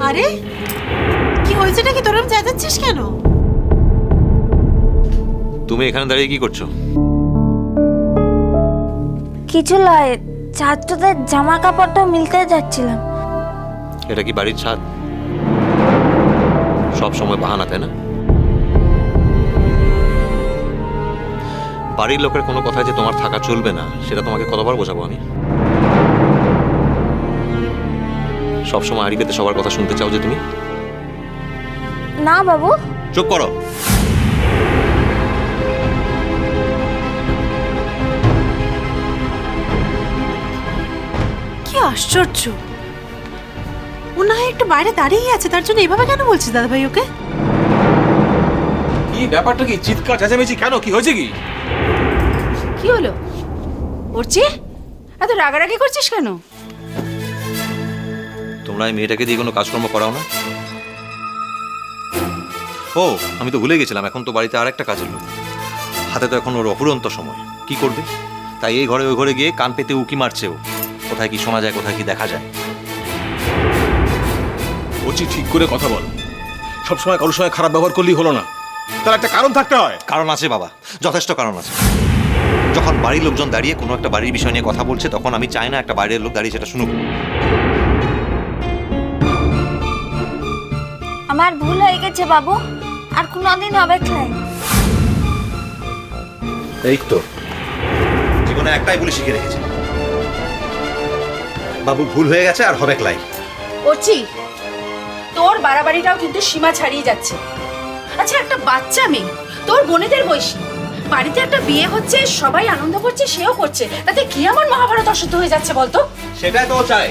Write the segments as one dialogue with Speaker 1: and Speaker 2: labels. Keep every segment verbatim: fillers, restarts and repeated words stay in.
Speaker 1: আরে কি হয়েছে নাকি, তোরা চেঁচাচ্ছিস কেন?
Speaker 2: তুমি এখানে দাঁড়িয়ে কি করছো?
Speaker 3: কিছু নয়, ছাত্রদের জামা কাপড়টা মিলতে যাচ্ছিলাম।
Speaker 2: এটা কি বাড়ির ছাদ? সব সময় বাহানা, তাই না? বাড়ির লোকের কোনো কথায় যে তোমার থাকা চলবে না সেটা তোমাকে কতবার বোঝাবো আমি? সবসময় আড়ি পেতে সবার কথা শুনতে চাও যে তুমি?
Speaker 3: না বাবু।
Speaker 2: চুপ করো।
Speaker 1: কি আশ্চর্য, ও না হয় একটু বাইরে দাঁড়িয়ে আছে, তার জন্য এভাবে কেন বলছিস দাদা ভাই ওকে?
Speaker 4: কি ব্যাপারটা কি? চিৎকার চেঁচামেচি কেন? কি হয়েছে? কি
Speaker 5: কি হলো ওরচি? এত রাগারাগি করছিস কেন?
Speaker 2: তোমরা এই মেয়েটাকে দিয়ে কোনো কাজকর্ম করাও না? ও আমি তো ভুলে গেছিলাম, এখন তো বাড়িতে আর একটা কাজের লোক হাতে, তো এখন ওর অপুরন্ত সময়। কি করবে? তাই এই ঘরে ওই ঘরে গিয়ে কান পেতে উকি মারছে ও। কোথায় কি শোনা যায়, কোথায় কি দেখা যায়।
Speaker 4: ওচি ঠিক করে কথা বল। সবসময় কারোর সঙ্গে খারাপ ব্যবহার করলেই হলো না, তার একটা কারণ থাকতে হয়।
Speaker 2: কারণ আছে বাবা, যথেষ্ট কারণ আছে। যখন বাড়ির লোকজন দাঁড়িয়ে কোনো একটা বাড়ির বিষয় নিয়ে কথা বলছে, তখন আমি চাই না একটা বাইরের লোক দাঁড়িয়ে সেটা শুনুক।
Speaker 3: আমার ভুল হয়ে গেছে বাবু, আর কোনোদিন হবে ক্লাই।
Speaker 2: এই তো জীবনে একটাই বলে শিখে রেখেছে, বাবু ভুল হয়ে গেছে আর হবে ক্লাই।
Speaker 5: ওরচি, তোর বাড়াবাড়িটাও কিন্তু সীমা ছাড়িয়ে যাচ্ছে। আচ্ছা, একটা বাচ্চা মেয়ে তোর বোনেদের বয়সী, বাড়িতে একটা বিয়ে হচ্ছে, সবাই আনন্দ করছে, সেও করছে, তাতে কি এমন মহাভারত অশুদ্ধ হয়ে যাচ্ছে বলতো?
Speaker 2: সেটাই তো ও চায়।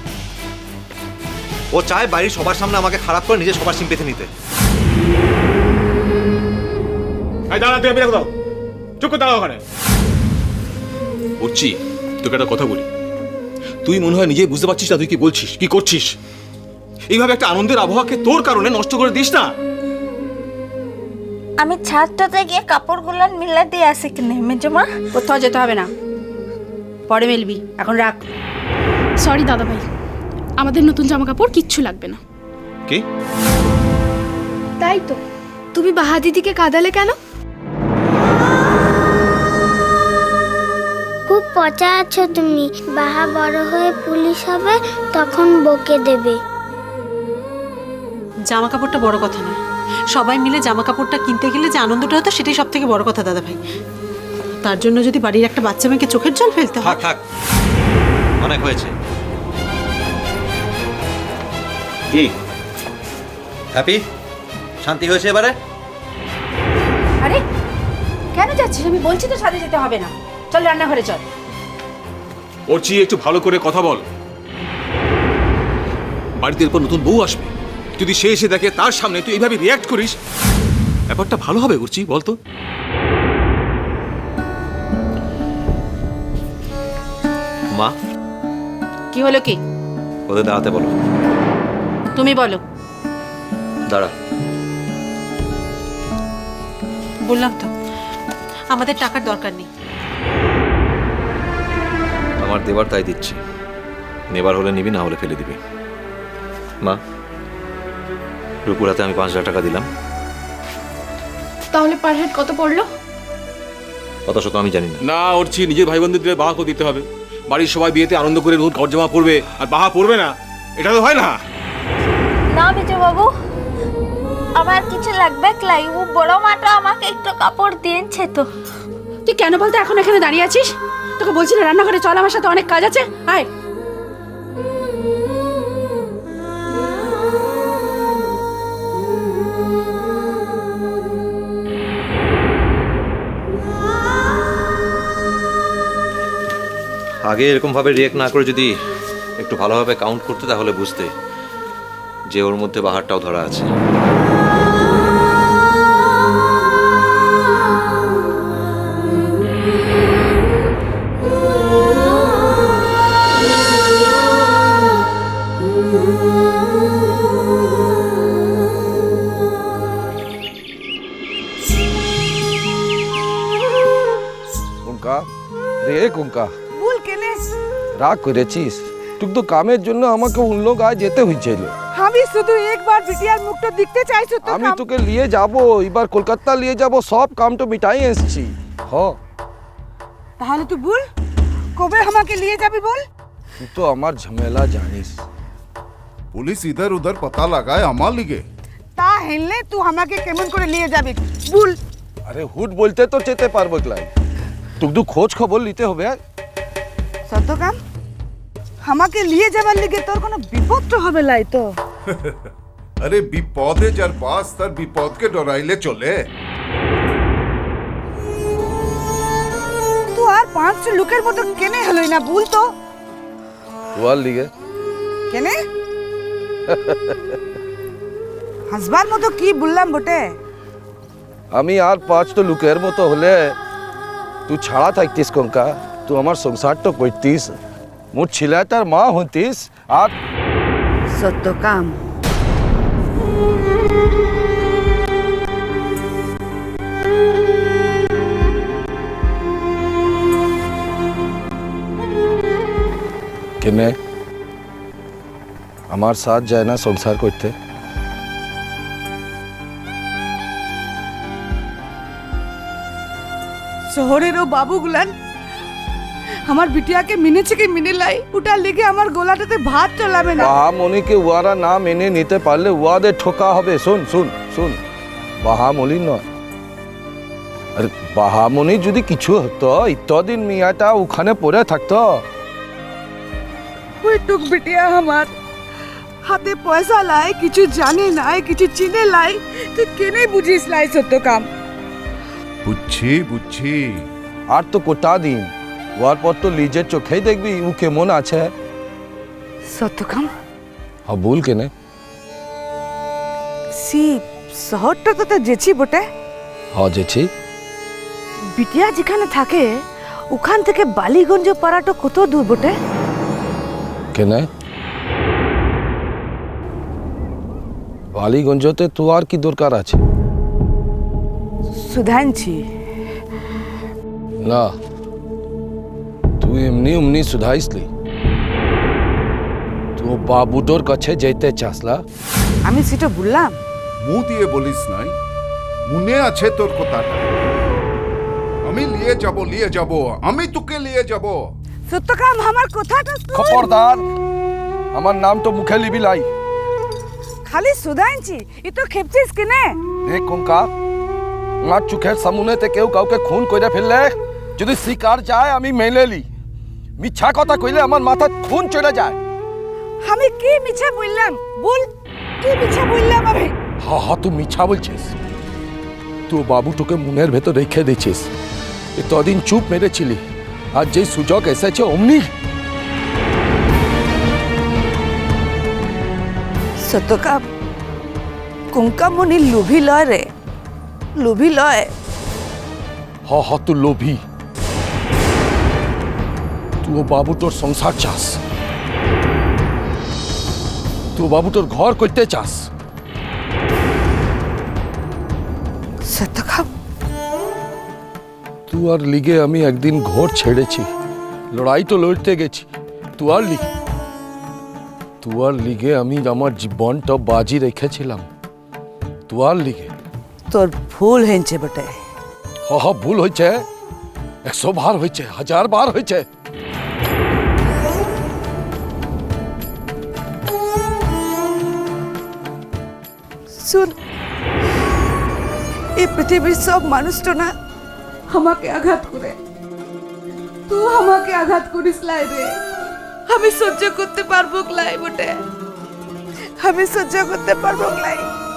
Speaker 2: ও চায় বাড়ির সবার সামনে আমাকে খারাপ করে নিজে সবার সিম্পেথি নিতে।
Speaker 4: এই দাঁড়া, তুই বেরো দাও, চুপ করে দাঁড়া ওখানে। ওচি, তোকে একটা কথা বলি, তুই মনে হয় নিজেই বুঝতে পারছিস না তুই কি বলছিস, কি করছিস। এইভাবে একটা আনন্দের আবহাওয়াকে তোর কারণে নষ্ট করে দিস না।
Speaker 3: আমি ছাদটাতে গিয়ে কাপড়গুলো মিলে দিয়ে আসি কিনে মেজমা।
Speaker 5: কোথাও যেতে হবে না, পরে মেলবি, এখন রাখ।
Speaker 6: সরি দাদা ভাই, আমাদের নতুন জামা কাপড় কিচ্ছু লাগবে না।
Speaker 2: কি?
Speaker 6: তাই তো, তুমি বাহা দিদিকে কাঁদালে কেন?
Speaker 7: খুব পচা আছো তুমি, বাহা বড় হয়ে পুলিশ হবে, তখন বকে দেবে।
Speaker 1: জামা কাপড়টা বড় কথা নয়, সবাই মিলে জামা কাপড়টা কিনতে গেলে যে আনন্দটা হতো সেটাই সব থেকে বড় কথা দাদা ভাই। তার জন্য যদি বাড়ির একটা বাচ্চা মেয়েকে চোখের জল ফেলতে হয়।
Speaker 2: থাক থাক, অনেক হয়েছে। কি হ্যাপি? শান্তি হয়েছে এবারে?
Speaker 5: আরে কেন যাচ্ছিস? আমি বলছি তো ছাদে যেতে হবে না, চল রান্নাঘরে চল।
Speaker 4: ওচি, একটু ভালো করে কথা বল। বাড়িতে এরপর নতুন বউ আসবে, যদি সে এসে দেখে তার সামনে তুই এইভাবে রিয়াক্ট করিস, ব্যাপারটা ভালো হবে করছি বলতো?
Speaker 2: মা,
Speaker 5: কি হলো? কি
Speaker 2: ওদের দাঁড়াতে বলো।
Speaker 5: তুমি বলো।
Speaker 2: দাঁড়া।
Speaker 1: বললাম তো আমাদের টাকার দরকার নেই।
Speaker 2: আমার দেবার তাই দিচ্ছি, নেবার হলে নিবি, না হলে ফেলে দিবি। মা, রূপুর হাতে আমি পাঁচ হাজার টাকা দিলাম।
Speaker 6: তাহলে পার হেড কত পড়লো?
Speaker 2: কত শত আমি জানি না।
Speaker 4: না ওরছি, নিজের ভাই বোনদের দিলে বাহা করে দিতে হবে। বাড়ির সবাই বিয়েতে আনন্দ করে নতুন কাপড় জামা পরবে, আর বাহা পরবে না, এটা তো হয় না।
Speaker 3: না বিজু বাবু, আমার কিছু লাগবে ক্লাই। ও বড় মাটা আমাকে একটু কাপড় দিয়েছে তো।
Speaker 5: তুই কেন বলতে এখন এখানে দাঁড়িয়ে আছিস? তোকে বলছি না রান্নাঘরে চল, আমার সাথে অনেক কাজ আছে, আয়।
Speaker 2: আগে এরকম ভাবে রিয়েক্ট না করে যদি একটু ভালোভাবে কাউন্ট করতে, তাহলে বুঝতে যে ওর মধ্যে বাহারটাও ধরা আছে।
Speaker 8: কুঙ্কা, রে কুঙ্কা, রাগ করেছিস? তুই তো কামের জন্য আমাকে অন্য গায়ে যেতে হয়েছিল।
Speaker 9: আমি শুধু একবার বিটিয়ার মুখটা দেখতে চাই
Speaker 8: আমি
Speaker 9: সত্যকাম।
Speaker 8: তোকে নিয়ে যাব এবার কলকাতা নিয়ে যাব সব কামটা মিটাই এসেছি হ
Speaker 9: তাহলে তুই বল কবে আমাকে নিয়ে যাবি বল।
Speaker 8: তুই তো আমার ঝামেলা জানিস
Speaker 10: पुलिस इधर उधर पता लगाए अमाल लिगे
Speaker 9: তা হেললে তুই আমাকে কেমন করে নিয়ে যাবি বল।
Speaker 8: আরে হুট বলতে তো যেতে পারবো ক্লাই তোকে তো খোঁজ খবর নিতে হবে
Speaker 9: সত্যকাম আমাকে নিয়ে যাবার লিগে তোর কোনো বিপদ তো হবে লাই তো।
Speaker 10: अरे विपदे जार पास तार विपद के डराइले चले
Speaker 9: তুই আর পাঁচ লোকের মতো কেনে হলই না বল তো
Speaker 8: তোয়ার লিগে
Speaker 9: কেনে হাসবার মতো কি বললাম বটে।
Speaker 8: আমি আর পাঁচটা লোকের মতো হলে তুই ছাড়া থাকতিস কঙ্কা তুই আমার সংসারটা করতিস মোর ছেলেটার মা হতিস আর
Speaker 9: সত্যকাম
Speaker 8: কেনে আমার সাথ যায় না সংসার করতে
Speaker 9: শহরের ও বাবুগুলান আমার বিটিয়াকে মিনেছে কি মিনে লাই ওটার লেগে আমার গোলাটাতে ভাত চলাবে না।
Speaker 8: বাহামণিকে উয়ারা না মেনে নিতে পারলে উয়াদের ঠোকা হবে শুন শুন শুন বাহামণি নয় আরে বাহামণি যদি কিছু হতো ইতদিন মিয়াটা ওখানে পড়ে থাকতো
Speaker 9: ওই টুক বিটিয়া আমার হাতে পয়সা লাই কিছু জানে নাই কিছু চিনে লাই তুই কেনে বুঝিস লাই সত্যকাম।
Speaker 10: बुच्छी बुच्छी
Speaker 8: আর তো কোটা দিন ওয়ার পর তো লিজের চোখেই দেখবি ও কেমন আছে
Speaker 9: সত্যকাম
Speaker 8: হ্যাঁ ভুল কেনে
Speaker 9: সি শহরটা তো তো যেছি বটে
Speaker 8: হ্যাঁ যেছি
Speaker 9: বিটিয়া যেখানে থাকে ওখান থেকে বালিগঞ্জ পাড়াটা কত দূর বটে।
Speaker 8: কেনে বালিগঞ্জতে তো আর কি দরকার আছে
Speaker 9: সুধানছি
Speaker 8: না তুই এমনি এমনি সুধাইসলি তো বাবুটোর কাছে যেতে চাসলা
Speaker 9: আমি সেটা বললাম
Speaker 10: मुंह दिए बोलिस नाई मुने আছে তোর কথাটা আমি নিয়ে যাব নিয়ে যাব আমি তোকে নিয়ে যাব
Speaker 9: সত্যকাম আমার কথাটা শুন।
Speaker 8: খবরদার আমার নাম তো মুখে লিবি লাই
Speaker 9: খালি সুধানছি এ তো খেপছিস কিনে
Speaker 8: দেখ কঙ্কা আমার চোখের সামনেতে কেউ কাউকে খুন করে ফেললে যদি শিকার যায় আমি মেনে লি মিথ্যা কথা কইলে আমার মাথা খুন চলে যায়
Speaker 9: আমি কি মিছা বললাম বল কি মিছা বললাম আমি।
Speaker 8: হা হা তুই মিথ্যা বলছিস তুই বাবুটোকে মনের ভেতর রেখে দিয়েছিস এতদিন চুপ মেরেছিলি আর যেই সুযোগ এসেছে অমনি
Speaker 9: সত্যকাম কুঙ্কামণি লোভী লয় রে লোভী লয়।
Speaker 8: হ হ তুই লোভী তুই বাবু তোর সংসার চাস তুই বাবু তোর ঘর করতে চাস
Speaker 9: সত্যকাম
Speaker 8: তুই আর লিগে আমি একদিন ঘর ছেড়েছি লড়াই তো লড়তে গেছি তুই আর লিগে তুই আর লিগে আমি আমার জীবনটা বাজি রেখেছিলাম তুই আর লিগে
Speaker 9: তোর ভুল হয়েছে বটে
Speaker 8: হ হ ভুল হয়েছে একশো বার হয়েছে হাজার বার হয়েছে
Speaker 9: শুন এই পৃথিবীর সব মানুষ তো না আমাকে আঘাত করে তুই আমাকে আঘাত করিস লাই রে আমি সহ্য করতে পারবো লাই বটে আমি সহ্য করতে পারবো লাই।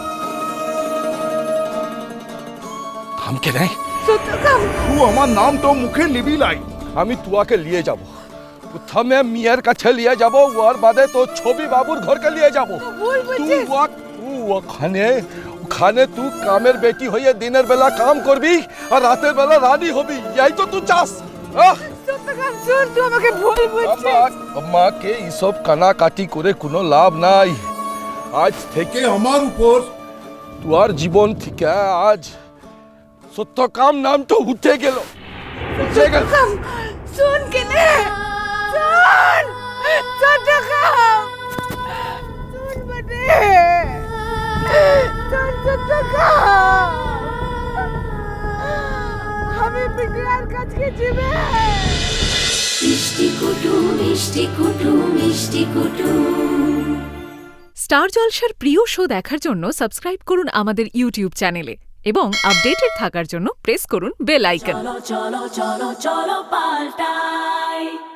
Speaker 8: থামকে নাই
Speaker 9: সত্যকাম
Speaker 10: তুই আমার নাম তো মুখে লিবি লাই
Speaker 8: আমি তুয়াকে নিয়ে যাব প্রথমে মিয়ার কাছে নিয়ে যাব ওর বাদে তো ছবি বাবুর ঘরকে নিয়ে যাব
Speaker 9: ভুল
Speaker 8: তুই
Speaker 9: বুঝছিস
Speaker 8: ওয়া- তুই ওখানে ওখানে তুই কামের বেটি হয়ে দিনের বেলা কাম করবি আর রাতের বেলা রানী হবি এই তো তুই চাস আহ!
Speaker 9: সত্যকাম শুন তুই আমাকে ভুল বুঝছিস
Speaker 8: আমা- আমাকে এইসব কানাকাটি করে কোনো লাভ নাই আজ থেকে
Speaker 10: কে আমার উপর
Speaker 8: তোর জীবন থেকে আজ সত্যকাম নামটা উঠে গেল উঠে গেল
Speaker 9: সত্যকাম শুন কেনে শুন সত্যকাম শুন বটে টাকা আমি বিটিয়ার কাছে যাবে
Speaker 11: মিষ্টি কুটুম মিষ্টি কুটুম মিষ্টি কুটুম।
Speaker 12: স্টার জলসার প্রিয় শো দেখার জন্য সাবস্ক্রাইব করুন আমাদের ইউটিউব চ্যানেলে এবং আপডেটেড থাকার জন্য প্রেস করুন বেল আইকন।
Speaker 11: চলো চলো চলো চলো পাল্টাই।